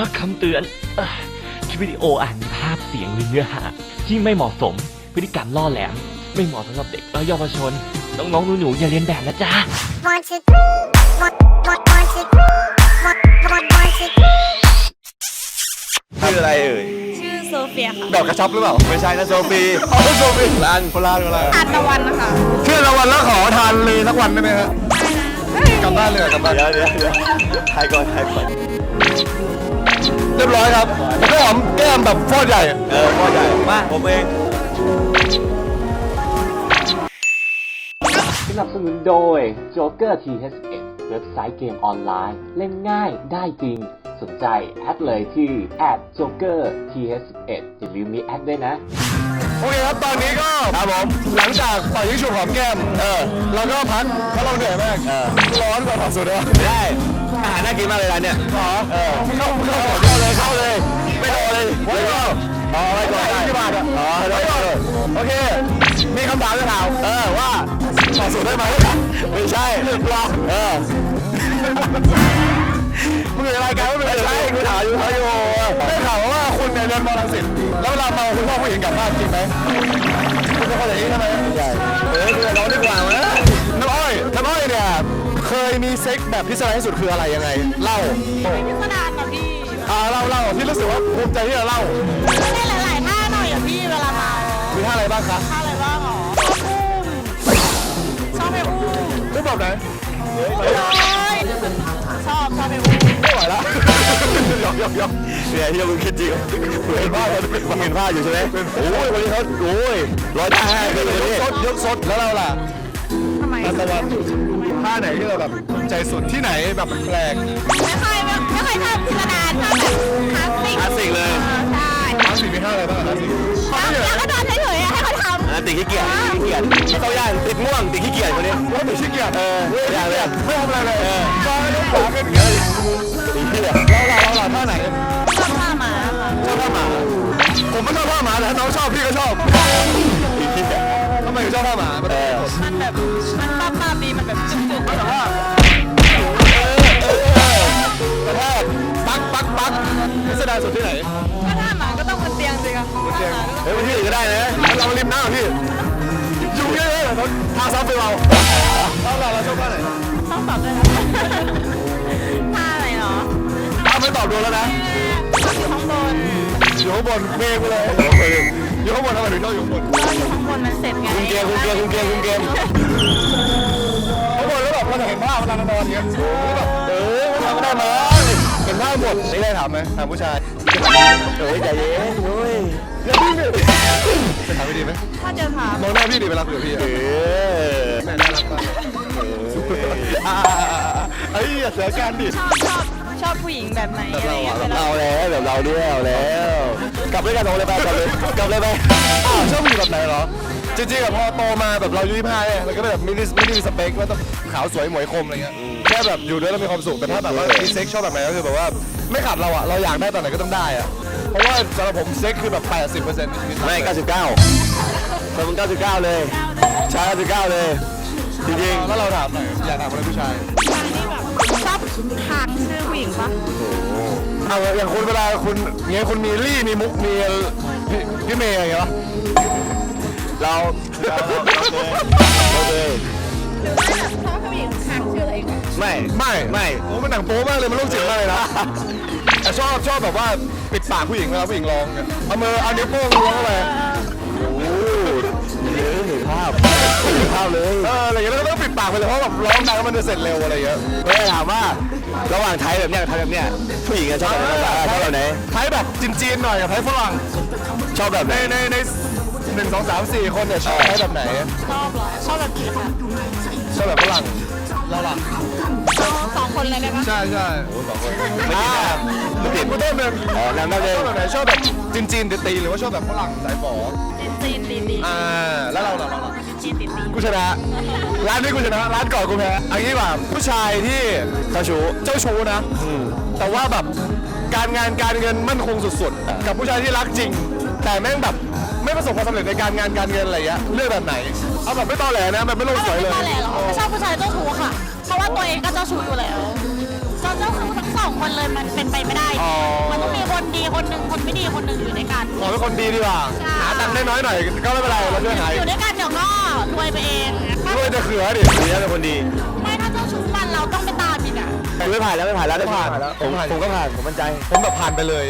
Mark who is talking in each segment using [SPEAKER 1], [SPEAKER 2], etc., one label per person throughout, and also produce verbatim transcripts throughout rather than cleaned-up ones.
[SPEAKER 1] คำเตือนคลิปวิดีโออาจมีภาพเสียงหรือเนื้อหาที่ไม่เหมาะสมพฤติกรรมล่อแหลมไม่เหมาะสำหรับเด็กและเยาวชนน้องๆหนูๆอย่าเลียนแบบนะจ๊ะ
[SPEAKER 2] ชื่ออะไรเอ่ย
[SPEAKER 3] ชื่อโซเฟียค่ะ
[SPEAKER 2] ดอกกระชับหรือเปล่าไม่ใช่นะโซฟีอ๋อโซฟีร้านคนละคนละ
[SPEAKER 3] ทานตะวันนะคะ
[SPEAKER 2] ชื่อตะวันแล้วขอทานเลยสักวันได้ไหมฮะกลับบ้านเลยกลับบ้านเดี๋ยวเดี๋ยวเดี๋ยวถ่ายก่อนถ่ายก่อนเรียบร้อยครับผมก็หอมแก้มแบบฟอดใหญ่เออฟอดใหญ่มาผมเอง
[SPEAKER 1] สนับสนุนโดย Joker ที เอช เอ็ด เว็บไซต์เกมออนไลน์เล่นง่ายได้จริงสนใจแอดเลยที่ แอท โจ๊กเกอร์ ที เอช เอ็ด อย่าลืมมีแอดด้วยนะ
[SPEAKER 2] โอเคครับตอนนี้ก็ครับผมหลังจากปล่อยยิงฉุบหอมแก้มเออเราก็พักเพราะเราเหนื่อยมากเออร้อนกว่าถอดสุดเลยได้อาหารน่ากินมากเลยร้านเนี่ยอ๋อเออเข้าเข้าเข้าเลยเข้าเลยไม่รอเลยไม่รออ๋อไม่รอได้ที่บ้านอ่ะอ๋อได้เลยโอเคมีคำถามจะถามเออว่าถอดสุดได้ไหมไม่ใช่รอเออมึงอยู่ในรายการไม่ใช่กูถามอยู่ถามอยู่ได้ข่าวว่าคุณเนี่ยเรียนมอลังสิตแล้วเวลาเมาคุณพ่อผู้หญิงกลับบ้านจริงไหมคุณเป็นคนอย่างนี้ใช่ไหมใช่เออคือน้องดีกว่าไหมน้ำอ้อยน้ำอ้อยเนี่ยเคยมีเซ็กแบบพิเศษที่สุดคืออะไรยังไงเล่า
[SPEAKER 3] พิสดารกับพี่
[SPEAKER 2] อ่าเล่าเล่าที่รู้สึกว่าภูมิใจที่จะเล่า
[SPEAKER 3] ได้หลายๆท่าหน่อยอ่ะพี่เวลาเมา
[SPEAKER 2] มีท่าอะไรบ้างคะ
[SPEAKER 3] ท่าอะไรบ้างหรอชอบไปอุ้ม
[SPEAKER 2] อุ้มแบบไหน
[SPEAKER 3] ชอบชอบไปอุ้ม
[SPEAKER 2] ไม่ไหวแล้วยอกยอกยอกเนี่ยที่เราคิดจริงเห็นภาพเห็นภาพอยู่ใช่ไหมโอ้ยวันนี้เขาโอ้ยร้อยท่าให้เลยนี่ยกสดยกสดแล้วเราล่ะ
[SPEAKER 3] ทำไม
[SPEAKER 2] ตะวันท่าไหนที่เราแบบใจสุดที่ไหนแบบแปลก
[SPEAKER 3] ไม่ค่อยไม่ค่อยชอบพิสดารชอบแบบคลาสสิก
[SPEAKER 2] คลาสสิกเลย
[SPEAKER 3] ใช่
[SPEAKER 2] คลาสสิกมีท่าอะไรบ้างคลาสสิก
[SPEAKER 3] แล้วก็นอนเฉยๆให้เขาทำ
[SPEAKER 2] ติดขี้เกียจติดขี้เกียจเขาย่างติดง่วงติดขี้เกียจคนนี้ว่าติดขี้เกียจเออไม่อยากเลยไม่ทำอะไรเลยเออก็ไม่ต้องขวากันเงี้ยติดขี้เกียจเราเราเราท่าไหน
[SPEAKER 3] ชอบท่าหมาค่ะ
[SPEAKER 2] ชอบท่าหมาผมไม่ชอบท่าหมาแต่ถ้าน้องชอบพี่ก็ชอบติดขี้เกียจทำไมถึงชอบท่าหมามัน
[SPEAKER 3] แบบมันป้าป้าดีมันแบบจุกๆ
[SPEAKER 2] แต่ว่ากระแทกปักปักปักพิสดารสุดที่ไหน
[SPEAKER 3] ก็ท่าหมาก็ต้องบนเตียงสิครับ
[SPEAKER 2] บนเตียงเฮ้ยบนที่อื่นก็ได้นะเราริมน้ำพี่ยุ่งเยอะเลยทางซ้ำไปเราเราเราเราชอบท่าไหน
[SPEAKER 3] ต้องตอบด้วยนะท่าอะไรเนาะ
[SPEAKER 2] ถ้าไม่ตอบโดนแล้วนะ
[SPEAKER 3] อยู่ข้างบน
[SPEAKER 2] อยู่ข้างบนเมฆไปเลยอยู่ข้างบนทำไมถึงชอบอยู่ข้างบน
[SPEAKER 3] อยู่ข้างบนมันเสร็จไง
[SPEAKER 2] คุมเกมคุมเกมคุมเกมคุมเกมข้างบนแล้วแบบเราจะเห็นภาพเวลานอนอย่างเงี้ยแบบเออทำไม่ได้มาเห็นภาพหมดไม่ได้ถามไหมถามผู้ชายเฮ้ยใจเย็นเฮ้ยอย่าดิ้นเลยจะถามไม่ดีไหม
[SPEAKER 3] ถ้าเจอถาม
[SPEAKER 2] มองหน้าพี่ดีเวลาคุยกับพี่เออแม่น่ารักมากเฮ้ยอย่าเสียการดิ
[SPEAKER 3] ชอบชอบชอบผู้หญิงแบบไหนอะไรเงี้ย
[SPEAKER 2] เราแล้วแบบเราเนี่ยเอาแล้วกลับด้วยกันเลยไปกลับเลยกลับเลยไปอ้าวชอบผู้หญิงแบบไหนเหรอจริงๆแบบพอโตมาแบบเราอายุยี่สิบห้าเนี่ยเราก็แบบไม่ได้ไม่ได้มีสเปคว่าต้องขาวสวยหมวยคมอะไรเงี้ยแค่แบบอยู่ด้วยแล้วมีความสุขแต่ถ้าแบบว่ามีเซ็กชอบแบบไหนก็คือแบบว่าไม่ขัดเราอะเราอยากได้ตอนไหนก็ต้องได้อะเพราะว่าสำหรับผมเซ็กคือแบบแปดสิบเปอร์เซ็นต์ไม่เก้าสิบเก้าสมมติเก้าสิบเก้าเลยชายเก้าสิบเก้าเลยจริงๆถ้าเราถามหน่อยอยากถามอะไรผู้ชาย
[SPEAKER 3] นี่แบบชอบทางชื่อผู้หญิงปะ
[SPEAKER 2] เอาอย่างคุณเวลาคุณเงี้ยคุณมีลี่มีมุกมีพี่เมย์อะไรเงี้ยเราเราเลย
[SPEAKER 3] หรือว่าชอบผู้หญิงทางชื่ออะไร
[SPEAKER 2] ไม่ไม่ไม่โอ้มันหนังโป๊มากเลยมันโรคจิตมากเลยนะแต่ชอบชอบแบบว่าปิดปากผู้หญิงเวลาผู้หญิงร้องเนี่ยเอามือเอานิ้วโป้งล้วงเข้าไปโอ้เยอะเห็นภาพเห็นภาพเลยเอออะไรอย่างเงี้ยแล้วก็ต้องปิดปากไปเลยเพราะแบบร้องดังมันจะเสร็จเร็วอะไรเงี้ยเฮ้ยถามว่าระหว่างไทยแบบเนี้ยไทยแบบเนี้ยผู้หญิงชอบแบบไหนชอบแบบไหนไทยแบบจีนๆหน่อยกับไทยฝรั่งชอบแบบในในในหนึ่งสองสามสี่คนเนี่ยชอบไทยแบบไหน
[SPEAKER 3] ชอบเหรอชอบแบบกี่ค่ะ
[SPEAKER 2] ชอบแบบฝรั่งเราล่ะ
[SPEAKER 3] สองคนเลยได้ไหม
[SPEAKER 2] ใช่ใช่โอ้สองคนไม่ติดแบบไม่ติดกูต้นหนึ่งอ๋อน้ำน้ำเลยชอบแบบไหนชอบแบบจีนๆตีหรือว่าชอบแบบฝรั่งสายฝอ
[SPEAKER 3] จีนตีตี
[SPEAKER 2] อ่าแล้วเราล่ะเราล่ะ
[SPEAKER 3] จีนตีตี
[SPEAKER 2] กูชนะร้านนี้กูชนะร้านก่อนกูแพ้อันนี้แบบผู้ชายที่เจ้าชู้เจ้าชู้นะแต่ว่าแบบการงานการเงินมั่นคงสุดๆกับผู้ชายที่รักจริงแต่แม่งแบบไม่ประสบความสำเร็จในการงานการเงินอะไรเงี้ยเลือกแบบไหนเอาแบบไม่ตอแหลนะแบบไม่ลงสวยเลย
[SPEAKER 3] ไม่ตอแหลหรอไม่ชอบผู้ชายเจ้าชู้ค่ะเพราะว่าตัวเองก็เจ้าชู้อยู่แล้วเจ้าชู้ทั้งสองคนเลยมันเป็นไปไม่ได้มันคนดีคนหนึ่งคนไม่ดีคนหนึ่งอยู่ด้วยกัน
[SPEAKER 2] ขอเป็นคนดีดีกว่า
[SPEAKER 3] ใช่
[SPEAKER 2] หาตังค์ได้น้อยหน่อยก็ไม่เป็นไรเราช่วยหา
[SPEAKER 3] อยู่ด้วยกันเดี๋ยวก็รวยไปเองถ้า
[SPEAKER 2] ด้วยจะเขือดิดีเป็นคนดี
[SPEAKER 3] ไม่ถ้าเจ้าชู้กันเราต้องไปตามอีกอ่ะ
[SPEAKER 4] ผมไม่ผ่านแล้วไม่ผ่านแล้วได้ผ่าน
[SPEAKER 2] ผ่านแล้ว
[SPEAKER 4] ผม
[SPEAKER 2] ผ่าน
[SPEAKER 4] ผมก็ผ่านผมมั่นใจ
[SPEAKER 2] ผมแบบผ่านไปเลย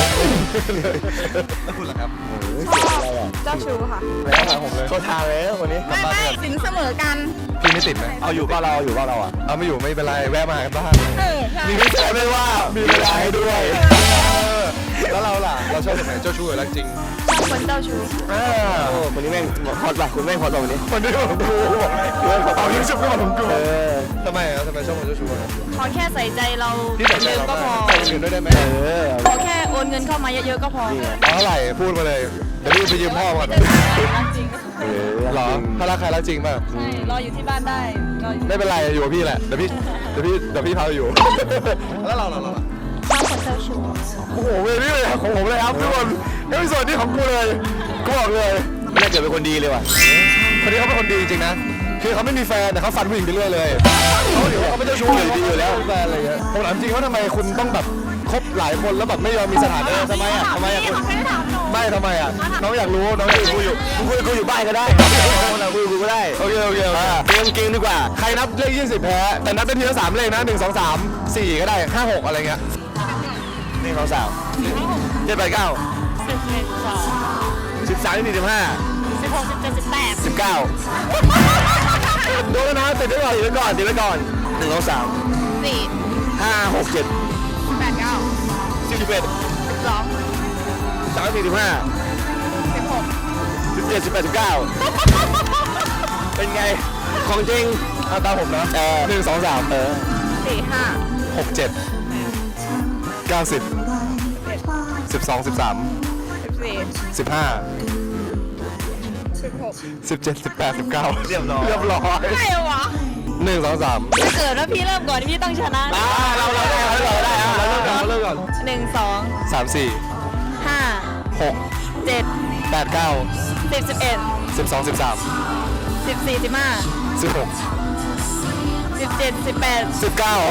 [SPEAKER 2] แล้วคุณล่ะครับ
[SPEAKER 5] เจ้าชู้ค่ะ
[SPEAKER 2] แล้วผ่านผมเลย
[SPEAKER 4] เข้าทางแล้วคนนี้
[SPEAKER 5] ไม่ไม่สินเสมอกัน
[SPEAKER 2] พี่ไม่ติดไหม
[SPEAKER 4] เอาอยู่ก็เราเอาอยู่ก็เราอ่ะ
[SPEAKER 2] เอาไม่อยู่ไม่เป็นไรแวะมาหากันบ้าง
[SPEAKER 5] เออใช่
[SPEAKER 2] มีไม่ใช่ไม่ว่ามีเวลาให้ด้วยแล้วเราล่ะเราชอบแบบไหนเจ้าชู้หรือรักจริง
[SPEAKER 5] ชอบคนเจ้าชู้
[SPEAKER 2] อ่า
[SPEAKER 4] โอ้คนนี้แม่งฮอตป่ะคุณแม่งฮอตป่ะวันนี้
[SPEAKER 2] คนที่ผมดูเอายิ่งชุบก็มาผมกู
[SPEAKER 4] เออ
[SPEAKER 2] ทำไมอ่ะทำไมชอบคนเจ้าชู้อ่ะ
[SPEAKER 5] ขอแค่ใส่ใจเรา
[SPEAKER 2] พี่แต่ใจ
[SPEAKER 5] เยอะ
[SPEAKER 2] เรา
[SPEAKER 5] ก็พอ
[SPEAKER 2] ใส่คนอื่นด้วยได้ไหม
[SPEAKER 4] เออ
[SPEAKER 5] ขอแค่โอนเงินเข้ามาเยอะๆก็พอ
[SPEAKER 2] เอาเท่าไหร่พูดมาเลยเดี๋ยวพี่ไปยืมพ่อก่อน
[SPEAKER 5] รักจริง
[SPEAKER 4] เออ
[SPEAKER 2] หรอถ้ารักใครรักจริงป่ะ
[SPEAKER 5] ใช่รออยู่ที่บ้านได้รออยู่
[SPEAKER 2] ไม่เป็นไรอยู่กับพี่แหละเดี๋ยวพี่เดี๋ยวพี่เดี๋ยวพี่พาไปอยู่ แล้วเราเราเรา
[SPEAKER 5] ชอบคนเจ้าชู้
[SPEAKER 2] โอ้โหเวนี่เลยของผมเลยครับทุกคนไม่มีส่วนที่ของกูเลยกูบอกเลย
[SPEAKER 4] น่าเกิดเป็นคนดีเลยว่ะ
[SPEAKER 2] คนนี้เขาเป็นคนดีจริงๆนะ คือเขาไม่มีแฟนแต่เขาฟันผู้หญิงไปเรื่อยเลยเขาถือว่าเขาไม่เจ้าชู้เลยดีอยู่แล้วแฟนอะไรเงี้ยผมถามจริงว่าทำไมคุณต้องแบบคบหลายคนแล้วแบบไม่ยอมมีสถานะทำไมอ่ะทำไมอ่ะคุณ
[SPEAKER 5] ไม่ได้ถามหนู
[SPEAKER 2] ไม่ทำไมอ่ะน้องอยากรู้น้องอยากรู้อยู่
[SPEAKER 4] กูคุยกูอยู่บ้านก็ได้คนเราคุยกูก็ได้
[SPEAKER 2] โอเคโอเคโอเค
[SPEAKER 4] เกมเกมดีกว่า
[SPEAKER 2] ใครนับเลขยี่สิบแพ้แต่นับเป็นทีละสามเลขนะหนึ่งสองสามสี่ก็ได้ห้าหกอะไรเงี้ย
[SPEAKER 4] นี่เขาสาวเจ็ดแปดเก้า
[SPEAKER 3] สิบเอ็ดสอง
[SPEAKER 4] สิบสามสี่สิบห้า
[SPEAKER 3] สิบหกสิบเจ็ดสิบแปด
[SPEAKER 4] สิบเก้าโดนแล้วนะติดไว้ก่อนติดไว้ก่อนติดไว้ก่อนหนึ่งสองสาม
[SPEAKER 5] สี่
[SPEAKER 4] ห้าหกเจ็ด
[SPEAKER 5] แปดเก้า
[SPEAKER 4] สิบสิบเอ็ด
[SPEAKER 5] สิบสอง
[SPEAKER 4] สามสี่สิบห้า
[SPEAKER 5] สิบหก
[SPEAKER 4] สิบเจ็ดสิบแปดสิบเก้าเป็นไงของจริง
[SPEAKER 2] เอาตามผมนะ
[SPEAKER 4] เออ
[SPEAKER 2] หนึ่งสองสาม
[SPEAKER 4] เออ
[SPEAKER 5] สี่ห้า
[SPEAKER 2] หกเจ็ดเก้าสิบสิบสองสิบสาม
[SPEAKER 5] สิบสี่
[SPEAKER 2] สิบห้า
[SPEAKER 5] สิบหก
[SPEAKER 2] สิบเจ็ดสิบแปดสิบเก้า
[SPEAKER 4] เรียบร้อย
[SPEAKER 2] เรียบร้อย
[SPEAKER 5] ไม่วะ
[SPEAKER 2] หนึ่งสองสาม
[SPEAKER 5] ถ้าเกิดว่าพี่เริ่มก่อนพี่ต้องชนะ
[SPEAKER 4] อ่าเราเราได้เราได้เอาเราเริ่มก่อน
[SPEAKER 2] เราเริ่มก่อน
[SPEAKER 5] หนึ่งสอง
[SPEAKER 2] สามสี่
[SPEAKER 5] ห้า
[SPEAKER 2] หก
[SPEAKER 5] เจ็ด
[SPEAKER 2] แปดเก้า
[SPEAKER 5] สิบสิบเอ็ด
[SPEAKER 2] สิบสองสิบสาม
[SPEAKER 5] สิบสี่สิบห้า
[SPEAKER 2] สิบหก
[SPEAKER 5] สิบเจ็ดสิบแปด
[SPEAKER 2] สิบเก้า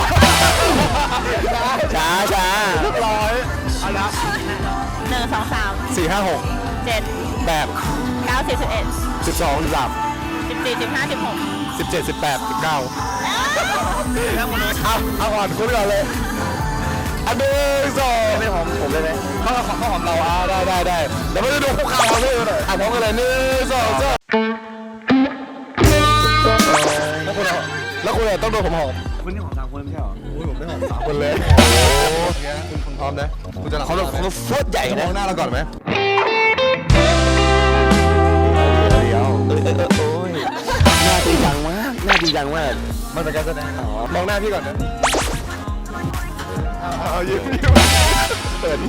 [SPEAKER 4] ช้าช้า
[SPEAKER 2] เรียบร้อยอันละ
[SPEAKER 5] หนึ่งสองสาม
[SPEAKER 2] สี่ห้าหก
[SPEAKER 5] เจ็ด
[SPEAKER 2] แปด
[SPEAKER 5] เก้าสิบสิบเอ็ด
[SPEAKER 2] สิบสองสิบสาม
[SPEAKER 5] สิบสี่สิบห้าสิบหก
[SPEAKER 2] สิบเจ็ดสิบแปดสิบเก้าเอาเอาก่อนคุณก่อนเลยอันหนึ่งสอง
[SPEAKER 4] ไม่หอมผมเลยไหม
[SPEAKER 2] ข้าวข้าวหอมเราอ่ะได้ได้ได้เดี๋ยวมาดูคุกเข่าเราด้วยหน่อยอ่ะพร้อมกันเลยหนึ่งสองสามแล้วคุณอ่ะแล้วคุณอ่ะต้องโดนผมหอม
[SPEAKER 4] คุณนี่หอมสามคนไม่ใช่หรอ
[SPEAKER 2] อุ้ยผมไม่หอมสามคนเลยโอ้โหคุณคุณพร้อมนะคุณจะ
[SPEAKER 4] เขาเขาโคตรใหญ่
[SPEAKER 2] จะม
[SPEAKER 4] นะ
[SPEAKER 2] องหน้าเราก่อนไหม
[SPEAKER 4] เดี๋ยวเออเออเออโอ้ยหน้าจริงจังมากหน้าจริงจังมาก
[SPEAKER 2] มันเป็นการแสดงมองหน้าพี่ก่อนนะเอาเอาเอายิ้มยิ้มเปิด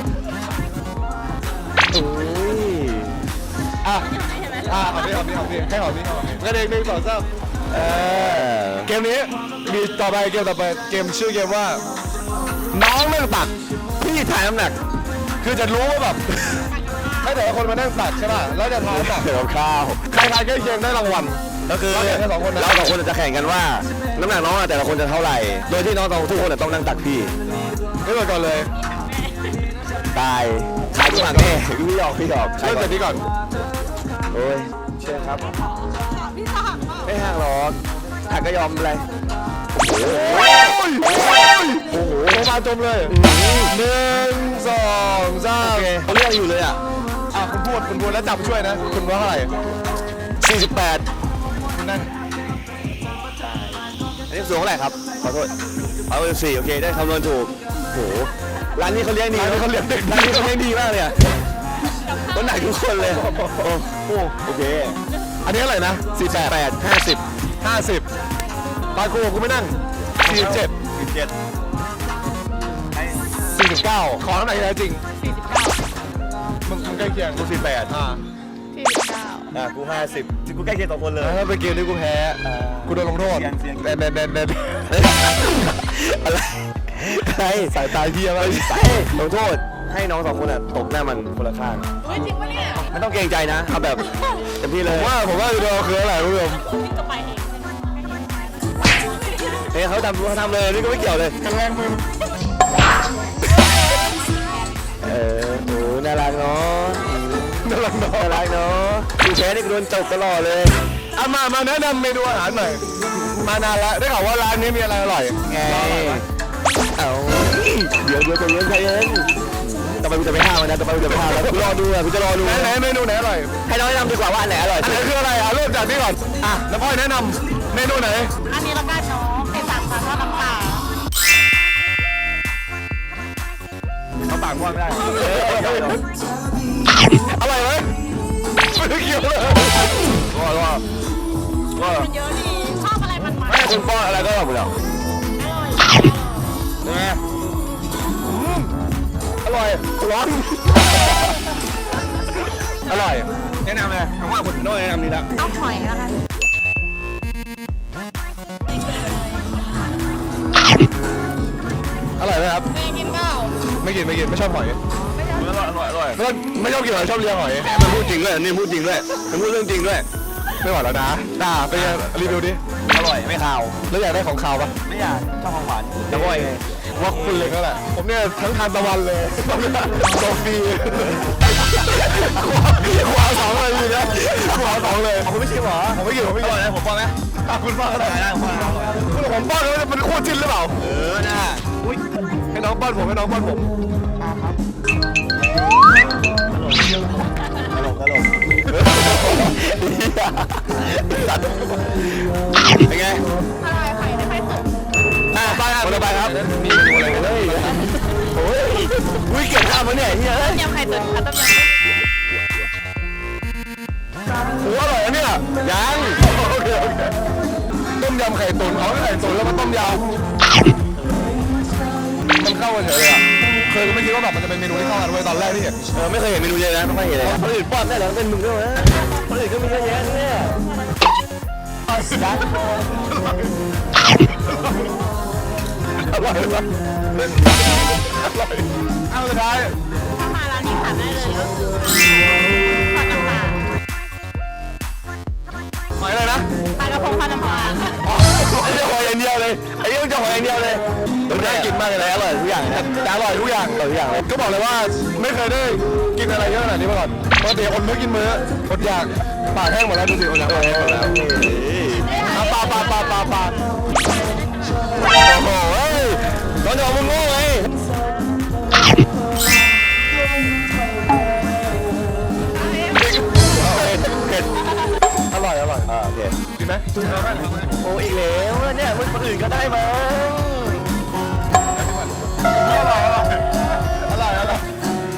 [SPEAKER 4] โอ้ย
[SPEAKER 2] อ่ะอ่ะหอมพี่หอมพี่หอมพี่ให้หอมพี่ให้หอมพี่กระเด็นหนึ่งสองสามเออเกมนี้มีต่อไปเกมต่อไปเกมชื่อเกมว่า น้องเรื่องตัก
[SPEAKER 4] พี่ถ่ายน้ำหนัก
[SPEAKER 2] คือจะรู้ว่าแบบ ให้แต่ละคนมานั่งตักใช่ป่ะแล้วจะทายตัก
[SPEAKER 4] เดี๋ยวข้าว
[SPEAKER 2] ใครทายใกล้เคียงได้รางวัล
[SPEAKER 4] ก็คือ
[SPEAKER 2] เราแข่งแค่สองคนนะ
[SPEAKER 4] เราสองคนจะแข่งกันว่า น้ำหนักน้องอะแต่ละคนจะเท่าไหร่ โดยที่น้องทุกคนต้องนั่งตักพี่
[SPEAKER 2] ไม่เปิดก่อนเลย
[SPEAKER 4] ตายขายตัวหลังแน่พี่หยอกพี่หยอก
[SPEAKER 2] เริ่มจากนี้ก่อน
[SPEAKER 4] โอ้ยเชื่อครับไม่ห่างหรอกหักก็ยอมอะไร
[SPEAKER 2] โอ้ยโอ้ยโอ้โหโมาจมเลยหนึ่งสองสาม
[SPEAKER 4] เขาเรียกอยู่เลยอ่ะ
[SPEAKER 2] อ่ะคุณพูดคุณพูดแล้วจับช่วยนะ คุณว่าเท่าไหร่
[SPEAKER 4] สี่สิบแปด
[SPEAKER 2] คุณนั่ง
[SPEAKER 4] อันนี้สูงเท่าไหร่ครับ ขอโทษเอาไปสี่โอเค ได้คำนวณถูกโหร้านนี้เขาเลี้ยงดี
[SPEAKER 2] ร้านนี้เขาเลี้ยงเด็ก
[SPEAKER 4] ร้านนี้เขาเลี้ยงดีมากเลยอะต้นหนักทุกคนเลยโอ้โหโอเค
[SPEAKER 2] อันนี้เท่าไหร่นะสี่แปด
[SPEAKER 4] แปดห้าสิบ
[SPEAKER 2] ห้าสิบปากูกูไม่นั่งสี่สิบเจ็ด
[SPEAKER 4] สิบเจ็ด
[SPEAKER 2] สี่สิบเก้าขอน้ำหนักที่แท้จริง
[SPEAKER 5] สี่สิบเก้า
[SPEAKER 2] มึงมึงใกล้เคียง
[SPEAKER 4] กูสี่แปด
[SPEAKER 2] อ่า
[SPEAKER 5] สี่สิบเก้า
[SPEAKER 4] อ่ะกูห้าสิบกูใกล้เคียงสองคนเลย
[SPEAKER 2] ถ้าเป็นเกมนี้กูแพ้กูโดนลงโทษ
[SPEAKER 4] เสี่ยงเสี่ยง
[SPEAKER 2] เด่นเด่นเด่นเด่น
[SPEAKER 4] อะไรอะไร
[SPEAKER 2] สายตาเฮียมาก
[SPEAKER 4] ไปลงโทษให้น้องสองคนอ่ะตบหน้ามันคนละข้าง
[SPEAKER 5] เฮ้ยจริงปะเนี่ย
[SPEAKER 4] ไม่ต้องเกรงใจนะเอาแบบเต็มที่เลย
[SPEAKER 2] ว่าผมว่าคือเราคืออะไรคุณผู้ชม
[SPEAKER 3] วิ่งก็ไปเอง
[SPEAKER 4] เฮ้ยเขาทำเขาทำเลยนี่ก็ไม่เกี่ยวเลย
[SPEAKER 2] กันแรงมือ
[SPEAKER 4] น่ารักเนาะ
[SPEAKER 2] น่ารักเนาะ
[SPEAKER 4] น่ารักเนาะดูแพ้นี่โดนจบตลอดเลย
[SPEAKER 2] เอามามาแนะนำเมนูอาหารหน่อยมานานแล้วได้ข่าวว่าร้านนี้มีอะไรอร่อย
[SPEAKER 4] ไงเอาเดี๋ยวเดี๋ยวใจเย็นใจเย็นต่อไปกูจะไปห้ามมันนะต่อไปกูจะไปห้ามแล้วกูรอดูอ่ะกูจะรอดู
[SPEAKER 2] ไหนไหนเมนูไหนอร่อย
[SPEAKER 4] ให้น้องแนะนำดีกว่าว่าอันไหนอร่อย
[SPEAKER 2] อันไหนคืออะไรอ่ะเริ่มจากนี้ก่อนอ่ะน้ำอ้อยแนะนำเมนูไหน
[SPEAKER 5] อันนี้ละกันเนาะเป็นสามชั้นทอดน้ำปลา
[SPEAKER 4] เขาปากว่าไม่ได้
[SPEAKER 2] อร่อยไหมไม่ได้เกี่ยวเลยว่าว่าว่า
[SPEAKER 5] มันเยอะดีชอบอะไรมันมัน
[SPEAKER 4] ให้คุณป้อนอะไรก็อร่อยหมดแล้ว
[SPEAKER 5] อร่อย
[SPEAKER 2] ไงอร่อยร้อนอร่อยแนะนำเลยคำว่าคุณโน้แนะนำนี่ละ
[SPEAKER 5] เอาหอยแล้วกัน
[SPEAKER 2] อร่อยไหมครับ
[SPEAKER 5] เมย์กินเปล่า
[SPEAKER 2] ไม่กินไม่กินไม่ชอบหอย
[SPEAKER 4] อร่อยอร่อยอร่อย
[SPEAKER 2] ไม่ไม่ชอบกินหอยชอบเลี้ยงหอย
[SPEAKER 4] มันพูดจริงด้วยนี่พูดจริงด้วยมันพูดเรื่องจริงด้วย
[SPEAKER 2] ไม่ไหวแล้วนะด่าไปรีวิวดิ
[SPEAKER 4] อร่อยไม่ขาว
[SPEAKER 2] แล้วอยากได้ของขาวปะ
[SPEAKER 4] ไม่อยากชอบของหวานน้ำอ้อยไง
[SPEAKER 2] ว่าคุณเลยก็แหละผมเนี่ยทั้งทานตะวันเลยโซฟีขวาสองเลยพี่นะขวาสองเลย
[SPEAKER 4] คุณไม่ชิมเหรอ
[SPEAKER 2] ผมไม่กินผมไม่กิน
[SPEAKER 4] นะผมป้อนไหม
[SPEAKER 2] คุณป้อนก็ได้
[SPEAKER 4] ได้ผมป้อนอร่อย
[SPEAKER 2] คุณผมป้อนแล้วมันคู่จิ้นหรือเปล่า
[SPEAKER 4] เออน่าอุ้ย
[SPEAKER 2] ให้น้องป้อนผมให้น้องป้อนผม
[SPEAKER 4] ตลกตลก
[SPEAKER 2] เป็นไง
[SPEAKER 5] อร่อยไข่ไม่ค่อยสุก
[SPEAKER 2] อ่ะไปครับคนละไปครับมีเมนูอะไรกันเลย
[SPEAKER 4] โอ้ยอุ้ยเก็บข้าวมาเนี่ยเฮ้ย
[SPEAKER 5] ยำไข่ตุ๋นค่ะต้มยำ
[SPEAKER 2] โอ้อร่อยนะเนี่ยยังโอเคโอเคต้มยำไข่ตุ๋นเอาไข่ตุ๋นแล้วก็ต้มยำมันเข้ากันเฉยเลยอ่ะเคยก็ไม่คิดว่าแบบมันจะเป็นเมนูที่เข้ากันไว้ตอนแรกที่เห็น
[SPEAKER 4] เออไม่เคยเห็นเมนูเยอะนะไม่ค่อยเห็นเลยคนอื่นป้อนได้เหรอเป็นมึงด้วยวะคนอื่นก็มีเยอะแยะเนี่ย
[SPEAKER 2] อร่อยมากอร่อยเอาสุดท้าย
[SPEAKER 5] ถ้ามาร้านนี้ขาดได้เลยก็คือทอดน้ำปลา
[SPEAKER 2] หอยอะไรนะ
[SPEAKER 5] ปลากระพงทอดน้ำปลา
[SPEAKER 2] ไอ้เจ้าหอยอย่างเดียวเลยไอ้เจ้าเจ้าหอยอย่างเดียวเลยน่ากินมากเลยอร่อยทุกอย่างนะอร่อยทุกอย่างอร่อยทุกอย่างเลยก็บอกเลยว่าไม่เคยได้กินอะไรเยอะขนาดนี้มาก่อนปกติคนไม่กินมื้ออดอยากปากแห้งหมดแล้วดูสิอดอยากปากแห้งหมดแล้วอ่ะปลาปลาปลาปลาปลาโอ้โหเฮ้ยตอนเดี๋ยวมึงโง่ไงเผ็ดอร่อยอร่อย
[SPEAKER 4] อ่าโอเค
[SPEAKER 2] ดีไหม
[SPEAKER 4] โอ้อีกแล้วเนี่ยคนอื่นก็ได้มั้ง
[SPEAKER 2] อร่อยอร่อยอร่อยอร่อย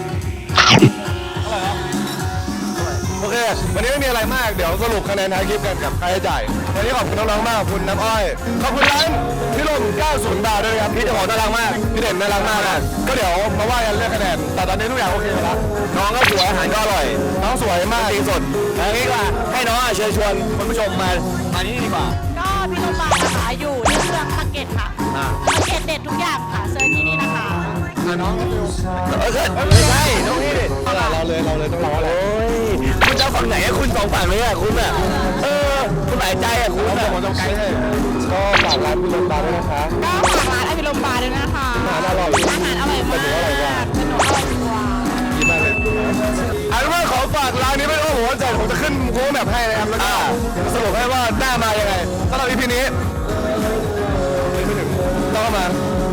[SPEAKER 2] โอเควันนี้ไม่มีอะไรมากเดี๋ยวสรุปคะแนนท้ายคลิปกันกับค่าใช้จ่ายวันนี้ขอบคุณน้องๆมากขอบคุณน้ำอ้อยขอบคุณร้านพี่ลมเก้าศูนย์บาทด้วยครับพี่เจ้าของน่ารักมากพี่เด่นน่ารักมากนะก็เดี๋ยวมาว่ากันเรื่องคะแนนแต่ตอนนี้ทุกอย่างโอเคแล้ว
[SPEAKER 4] น้องก็สวยอาหารก็อร่อย
[SPEAKER 2] น้องสวยมาก
[SPEAKER 4] จริงสดเอางี้ดีกว่าให้น้องอ่ะเชิญชวนคุณผู้ชมมามาที่นี่ดีกว่า
[SPEAKER 5] ก็พี่ลูกปลานะคะอยู่ที่เมืองปากเกร็ดค่ะปากเกร็ดเด็ดทุกอย่างค่ะเซิร์ชที่นี่นะคะ
[SPEAKER 2] น้อง
[SPEAKER 4] เออใช่ไม่ใช่น้องนี่ดิ
[SPEAKER 2] เราเลยเราเลยต้องเราอะไร
[SPEAKER 4] โอ้ยคุณจะเอาฝั่งไหนอะคุณสองฝั่งเลยอะคุณอะเออคุณหลายใจอะคุณ
[SPEAKER 2] ผม
[SPEAKER 4] อะ
[SPEAKER 2] ผมต้องไกด์ให้ก็ฝากร้านพี่ลมบาร์ด้วยนะคะ
[SPEAKER 5] ก็ฝากร้านอภิรมย์บาร์ด้วยนะคะ
[SPEAKER 2] อาหารอร่อย
[SPEAKER 5] อาหารอร่อยมากขนมอร่อยกว่า
[SPEAKER 2] ดีมากเลยอันว่าขอฝากร้านนี้ไม่ต้องหัวใจผมจะขึ้นโค้งแบบให้นะครับแล้วก็สรุปให้ว่าหน้ามายังไงสำหรับอีพีนี้ไม่ถึงต้องมา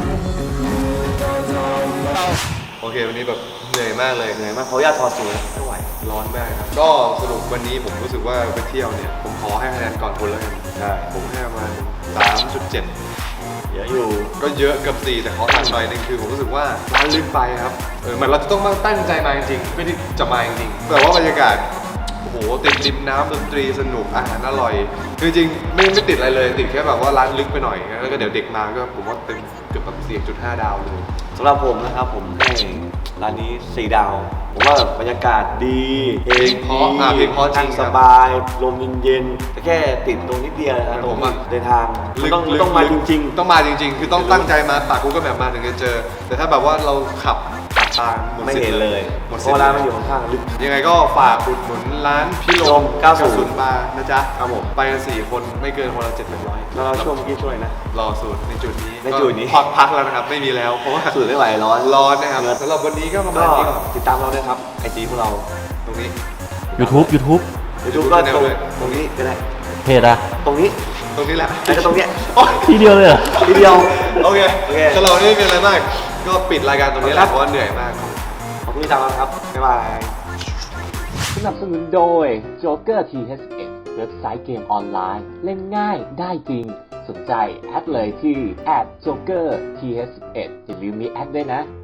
[SPEAKER 2] เรา
[SPEAKER 6] โอเควันนี้แบบเหนื่อยมากเลย
[SPEAKER 4] เหนื่อยมากเขาอยากถอดสูทไม่ไหว
[SPEAKER 6] ร้อนมากครับก็สรุปวันนี้ผมรู้สึกว่าไปเที่ยวเนี่ยผมขอให้คะแนนก่อนคนแล้วกัน
[SPEAKER 4] ใช่
[SPEAKER 6] ผมให้ประมาณ สามจุดเจ็ด
[SPEAKER 4] เยอะอยู่
[SPEAKER 6] ก็เยอะเกับสี่แต่ขอตัดหน่อยนึงคือผมรู้สึกว่าร้านลึกไปครับเออเหมันเราจะต้องมาตั้งใจมาจริงๆไม่ได้จะมาจริงๆแต่ว่าบรรยากาศโอ้โหติดริมน้ำดนตรีสนุกอาหารอร่อยคือจริงๆไม่ไม่ติดอะไรเลยติดแค่แบบว่าร้านลึกไปหน่อยแล้วก็เดี๋ยวเด็กมาก็ผมว่าเต็มเกือบแบบสี่จุดห้าดาวเลย
[SPEAKER 7] สำหรับผมนะครับผมให้ร้านนี้สี่ดาว ผมว่าบรรยากาศดีเพลง
[SPEAKER 6] เพราะอ่ะเพลงเพราะจริง
[SPEAKER 7] นั่
[SPEAKER 6] ครับ
[SPEAKER 7] สบาย ลมเย็นๆแต่แค่ติดตรงนิดเดียวนะครับตรง
[SPEAKER 6] ผมอะ
[SPEAKER 7] เดินทาง
[SPEAKER 6] ลึก
[SPEAKER 7] ต้อง
[SPEAKER 6] ลึก
[SPEAKER 7] ต้องมาจริง
[SPEAKER 6] ต้องมาจริง ๆ คือต้องตั้งใจมาปากกูก็แบบมาถึงจะเจอ แต่ถ้าแบบว่าเราขับขับตามหมด
[SPEAKER 7] ๆ ไม่
[SPEAKER 6] สิท
[SPEAKER 7] เห็น
[SPEAKER 6] ธิ์
[SPEAKER 7] เลย
[SPEAKER 6] หมด
[SPEAKER 7] เพ
[SPEAKER 6] สิท
[SPEAKER 7] ราะ
[SPEAKER 6] ธิ์
[SPEAKER 7] ร้านมันอยู่ข้างๆลึก
[SPEAKER 6] ยังไงก็ฝากอุดหนุนร้านพี่ล
[SPEAKER 7] ล
[SPEAKER 6] ม
[SPEAKER 7] มเก้าสิบ
[SPEAKER 6] บาร์นะจ๊ะ
[SPEAKER 7] ครับผม
[SPEAKER 6] ไปกันสี่คนไม่เกินคนละเจ็ดแปดร้อย
[SPEAKER 7] แล้วเราช่วงเมื่อกี้ช่วยนะ
[SPEAKER 6] รอสูตรในจุดนี้
[SPEAKER 7] ในจุดนี้
[SPEAKER 6] ก็พักพักแล้วนะครับ ไม่มีแล้วเพราะว่า
[SPEAKER 7] สูตรไม่ไหวร้อน
[SPEAKER 6] ร้อนนะครับสำหรับวันนี้ก็ประมา
[SPEAKER 7] ก็
[SPEAKER 6] ณนี้ก่อน
[SPEAKER 7] ติดตามเราด้วยครับไอจีพวกเรา
[SPEAKER 6] ตรงนี้
[SPEAKER 4] YouTube YouTube
[SPEAKER 7] ยูทูบก็ตรงตรงนี้ก็ได้
[SPEAKER 4] เพจอะ
[SPEAKER 7] ตรงนี้
[SPEAKER 6] ตรงนี้แหละ
[SPEAKER 7] แล้วก็ตรงเนี้ย
[SPEAKER 6] โอ๊ย
[SPEAKER 4] ทีเดียวเลยเหรอ
[SPEAKER 7] ทีเดียว
[SPEAKER 6] โอเค
[SPEAKER 7] โอเค
[SPEAKER 6] สำหรับวันนี้ไม่เป็นอะไรมาก ก็ปิดรายการตรงนี้แห
[SPEAKER 7] ครั
[SPEAKER 6] ละ
[SPEAKER 7] บ
[SPEAKER 6] เพราะว่าเหนื่อยมาก
[SPEAKER 7] ขอบคุณที่ตามมาครับ บ๊ายบาย
[SPEAKER 1] สนับสนุนโดย Joker ที เอช เอ็ด เว็บไซต์เกมออนไลน์ เล่นง่ายได้จริง สนใจแอดเลยที่ แอท โจ๊กเกอร์ ที เอช เอ็ด อย่าลืมมีแอดด้วยนะ